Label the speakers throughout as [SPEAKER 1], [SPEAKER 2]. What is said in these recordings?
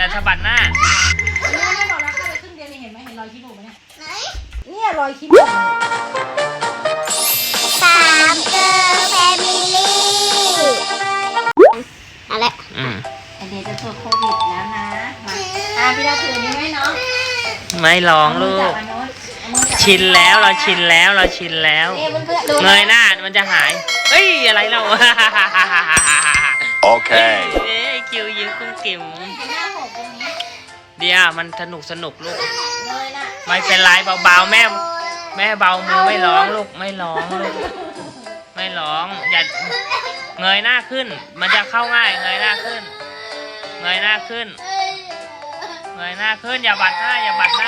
[SPEAKER 1] อย่าสะบัดหน้า
[SPEAKER 2] ไม่บอกแล้วเข้าไปครึ่งเดียวนี่เห็นไหมเห็นรอยขี้มูกไหมเนี่ยไหนเนี่ยรอยขี้มูก
[SPEAKER 3] 3 Girl Family อะไร
[SPEAKER 2] ไอเดียจะตรวจโควิดแล้วนะมาพี่ดาวถือนี้ไหมเนาะ
[SPEAKER 1] ไม่ร้องลูกชินแล้วเราชินแล้วเงยหน้ามันจะหายเอ้ยอะไรเรา
[SPEAKER 4] โอเค
[SPEAKER 1] คิวยิ้มกุ้งกิ่มเดี๋ยวมันสนุกลูกไม่เป็นไรเบาๆแม่เบามือไม่ร้องลูกไม่ร้องลูกไม่ร้องอย่าเงยหน้าขึ้นมันจะเข้าง่ายเงยหน้าขึ้นอย่าบัดหน้าอย่าสะบัดหน้า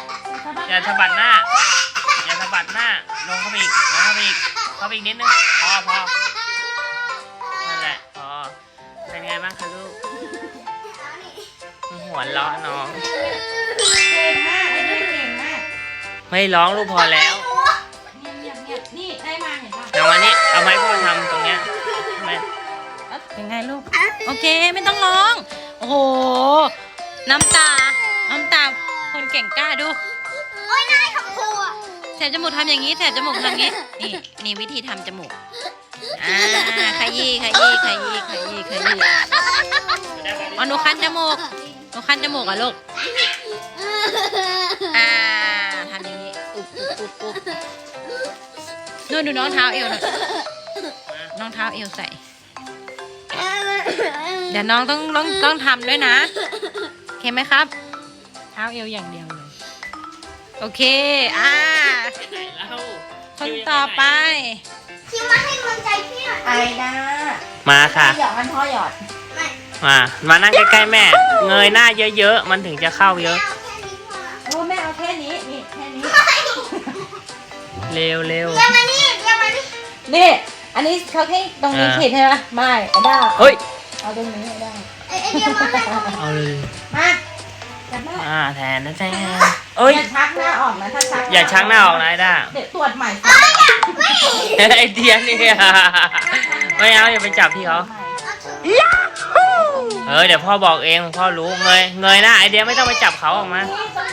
[SPEAKER 1] ลงเข้าไปอีกนิดนึงพอนั่นแหละพอเป็นไงบ้างคะลูกหัวเราะน้อง
[SPEAKER 2] เก่งมาก
[SPEAKER 1] ไม่ร้องลูกพอแล้ว
[SPEAKER 2] นี่ได้มาเห็นป่ะ
[SPEAKER 1] เอามานี่เอาไม้พ่อทำตรงเนี้ย
[SPEAKER 2] เป็นไงลูกโอเคไม่ต้องร้องโอ้โหน้ำตาคนเก่งกล้าดู
[SPEAKER 3] โอ้ยนายคำพู
[SPEAKER 2] แสบจมูกทำอย่างนี้แสบจมูกทำอย่างนี้นี่วิธีทำจมูกขยี้หนูคันจมูกอ่ะลูกทำอย่างนี้อุ๊บนู่นดูน้องเท้าเอวหน่อยน้องเท้าเอวใส่เดี๋ยวน้องต้องทำด้วยนะโอเคไหมครับเท้าเอวอย่างเดียวเลยโอเคคนต่อไป
[SPEAKER 3] คิวมาให้กำลังใจพี่หน่อย
[SPEAKER 2] ไอด้า
[SPEAKER 1] มาค่ะ
[SPEAKER 2] หยอดมันพ่อหยอด
[SPEAKER 1] มานั่งใกล้ๆแม่เงยหน้าเยอะๆมันถึงจะเข้าเยอะ
[SPEAKER 2] โอ้แม่เอาแค่นี้นี่แค่นี้
[SPEAKER 1] เร็ว
[SPEAKER 3] อย่ามานี่
[SPEAKER 2] นี่อันนี้เขาแค่ตรงนี้ผิดใช่ไหมไม่ไอด้า
[SPEAKER 1] เฮ้ย
[SPEAKER 2] เอาตรงนี้ไอด้า
[SPEAKER 3] เดี๋ยวมา
[SPEAKER 1] เอาเลย
[SPEAKER 2] มาจับแม่
[SPEAKER 1] แทนเอ้ย
[SPEAKER 2] อย่าชักหน้าออกนะถ้าชัก
[SPEAKER 1] อย่าชักหน้าออกนะไอด้า
[SPEAKER 2] เดี๋ยวตรวจใหม่
[SPEAKER 1] ไอเดียนี่ไม่เอาอย่าไปจับพี่เขาเดี๋ยวพ่อบอกเองพ่อรู้เงยหน้าไอเดียไม่ต้องไปจับเขาออกมา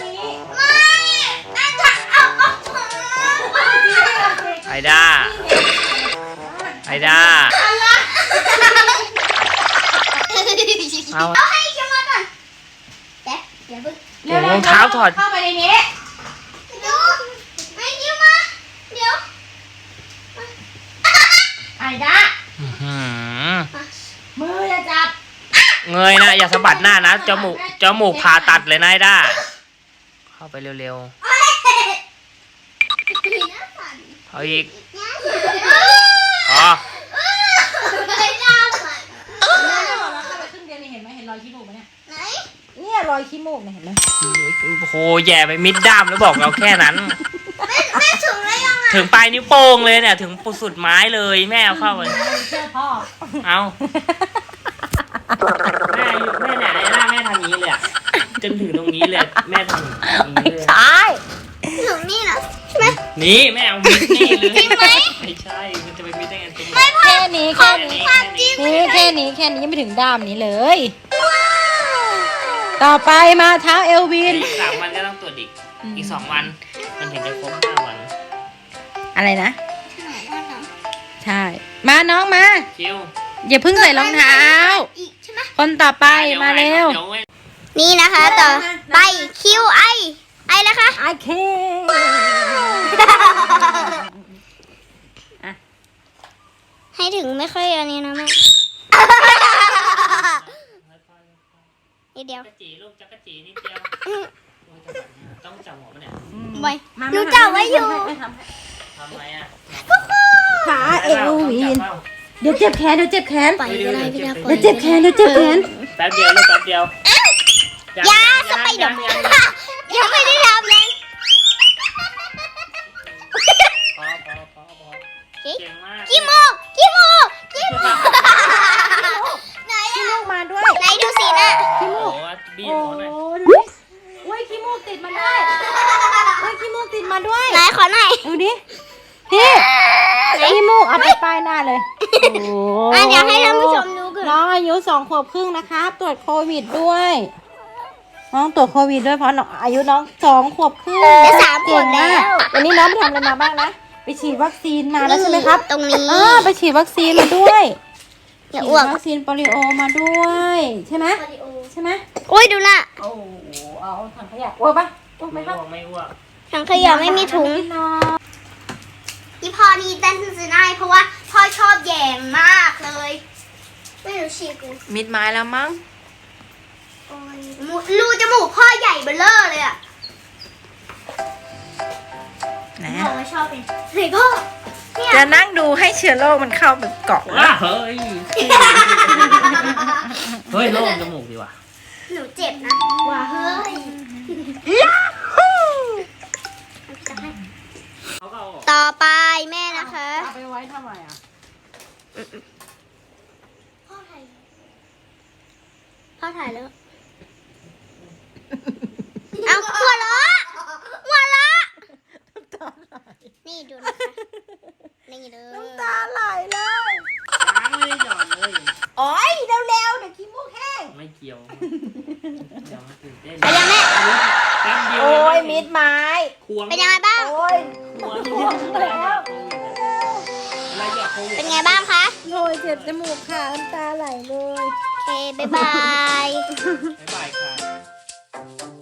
[SPEAKER 1] ไอด้าเอา
[SPEAKER 3] ให้คิวมาก่อนเดี๋ยว
[SPEAKER 1] รองเท้าถอด
[SPEAKER 2] เข้าไปในนี้
[SPEAKER 3] ดูให้คิวมาเดี๋ยว
[SPEAKER 2] ไอด้ามืออย่าจับ
[SPEAKER 1] เงยนะอย่าสะบัดหน้านะจมูกผ่าตัดเลยนะไอด้าเข้าไปเร็วๆเอาอีกพอ
[SPEAKER 2] รอยขี้มูกเนี่ยเนี่ยรอยขี้มูกเนี่ยเห็นไหม
[SPEAKER 1] โอ้โหแย่ไปมิดด้ามแล้วบอกเราแค่นั้น
[SPEAKER 3] ไม่ถึงเลยยังไง
[SPEAKER 1] ถึงปลายนิ้วโป้งเลยเนี่ยถึงสุดไม้เลยแม่เอาเข้าไป
[SPEAKER 2] เชื่อพ่อ
[SPEAKER 1] เอาแม่เนี่ยไอ้ล่าแม่ทำอย่างนี้เลยจนถึงตรงนี้เลยแม่ทำอย่างนี้เลย
[SPEAKER 2] ใช่
[SPEAKER 3] ถึงนี่เหรอใช่ไหม
[SPEAKER 1] นี่แม่เอามิดนี่เลยจริงไหมไม่ใช่มันจะไปมิดได้ไง
[SPEAKER 2] แค่นี้แค่นี้ยังไม่ถึงด้ามนี้เลยต่อไปมาเท้าเอลวิน
[SPEAKER 1] 3 วันก็ต้องตรวจอีก2 วันมันถึงจะครบ5 วัน
[SPEAKER 2] อะไรนะใช่มาน้องมา
[SPEAKER 1] คิว
[SPEAKER 2] อย่าเพิ่งใส่รองเท้าคนต่อไปมาเร็ว
[SPEAKER 3] นี่นะคะต่อไปคิวไอนะคะ
[SPEAKER 2] ไอเค
[SPEAKER 3] ให้ถึงไม่ค่อยอันนี้นะแม่นิดเดียว
[SPEAKER 1] จักรจีลูกจักรจีนิดเดียวต้องจับหัวมันเนี่ย
[SPEAKER 3] หนูจับไว้อยู่
[SPEAKER 1] ทำไมอ่ะ
[SPEAKER 2] ขาเอลวินเดี๋ยวเจ็บแขน
[SPEAKER 3] ปล่อยก็ได้พี่ดา
[SPEAKER 2] เดี๋ยวเจ็บแขน
[SPEAKER 1] แป๊บเดียวลูกแป๊บเดียวย
[SPEAKER 3] าสไปเดอร์ยังไม่ได้ทำเลย
[SPEAKER 1] พอเก่งมาก
[SPEAKER 3] ขี้มูกไหน
[SPEAKER 2] ขี้มูกมาด้วย
[SPEAKER 3] ไหนดูสินะ
[SPEAKER 2] ขี้มูก
[SPEAKER 1] บีบหัวหน่อย
[SPEAKER 2] อุ้ยขี้มูกติดมาด้วยขี้มูกติดมาด้วย
[SPEAKER 3] ไหนขอหน่อย
[SPEAKER 2] ดูดิขี้มูกเอาไปป้ายหน้าเลย
[SPEAKER 3] อยากให้ท่านผู้ชมดูก่อน
[SPEAKER 2] น้องอายุ2 ขวบครึ่งนะคะตรวจโควิดด้วยน้องตรวจโควิดด้วยเพราะน้องอายุน้อง2 ขวบครึ่ง
[SPEAKER 3] จะ3 ขวบ
[SPEAKER 2] เก่ง
[SPEAKER 3] แล้
[SPEAKER 2] มาก
[SPEAKER 3] ว
[SPEAKER 2] วันนี้น้องไปทำอะไรมาบ้างนะไปฉีดวัคซีนมาแล้วใช่ไหมครับ
[SPEAKER 3] ตรงนี้
[SPEAKER 2] ไปฉีดวัคซีนมาด้วย
[SPEAKER 3] อย่า
[SPEAKER 2] ฉี
[SPEAKER 3] อ้ว
[SPEAKER 2] ด
[SPEAKER 3] ก
[SPEAKER 2] วัคซีนโปลิโอมาด้วยใช่ไหมใช่ไหม
[SPEAKER 3] อุ้ยดูน่ะ
[SPEAKER 2] โอ้เอาถังขยะอ้วกปะอ้วกไหม
[SPEAKER 1] ไม่
[SPEAKER 2] ครับ
[SPEAKER 1] อ้วกไม่อ้วก
[SPEAKER 3] ถังขยะไม่มีถุง
[SPEAKER 2] กินน้อง
[SPEAKER 3] อีพ่อนี่เต้นซื้อได้เพราะว่าพ่อชอบแยงมากเลย ไม่รู้ฉีกกู
[SPEAKER 2] มิดไม้แล้วมั้ง
[SPEAKER 3] โอ้ยรูจมูกพ่อใหญ่เบ้อเร่อเลยอ่ะ
[SPEAKER 2] ไหน
[SPEAKER 3] พ่อไม่ชอบเป็นเฮ้ยพ่อเนี่ย
[SPEAKER 2] จะนั่งดูให้เชื้อโรคมันเข้าแบบเกาะ
[SPEAKER 1] ว้าเฮ้ย เฮ้ยโล่งจมูกดีว่ะ
[SPEAKER 3] หนูเจ็บนะว้าเฮ้ย
[SPEAKER 1] เขาก็เอาออก
[SPEAKER 3] ต่อไปแม่นะคะ
[SPEAKER 2] เอาไปไว้ทำไมอ่ะ
[SPEAKER 3] พ่อถ่ายแล้ว เอาหัวเราะหัวเราะนี่ดูนะคะนี่เลย
[SPEAKER 2] ตาไหลเลย
[SPEAKER 1] ล้างไม่ได้หย่อนเลย
[SPEAKER 2] โอ้ยเร็วๆเดี๋ยวขี้มูกแห้ง
[SPEAKER 1] ไม่เกี่ยวเดี๋ยวมันตื่นเต้น
[SPEAKER 3] ไปยังแม่
[SPEAKER 1] แป๊บเดียว
[SPEAKER 2] โอ้ย
[SPEAKER 1] เอง
[SPEAKER 2] มิดไม้
[SPEAKER 1] ควง
[SPEAKER 3] เป็นยังไงบ้าง
[SPEAKER 2] โอ้ย
[SPEAKER 1] ควงแล้วอะไรอย่าโควิด
[SPEAKER 3] เป็นไงบ้างคะ
[SPEAKER 2] โอ้ยเจ็บจมูกค่ะน้ำตาไหลเลย
[SPEAKER 3] โอเค บ๊ายบาย
[SPEAKER 1] บ๊ายบายค่ะ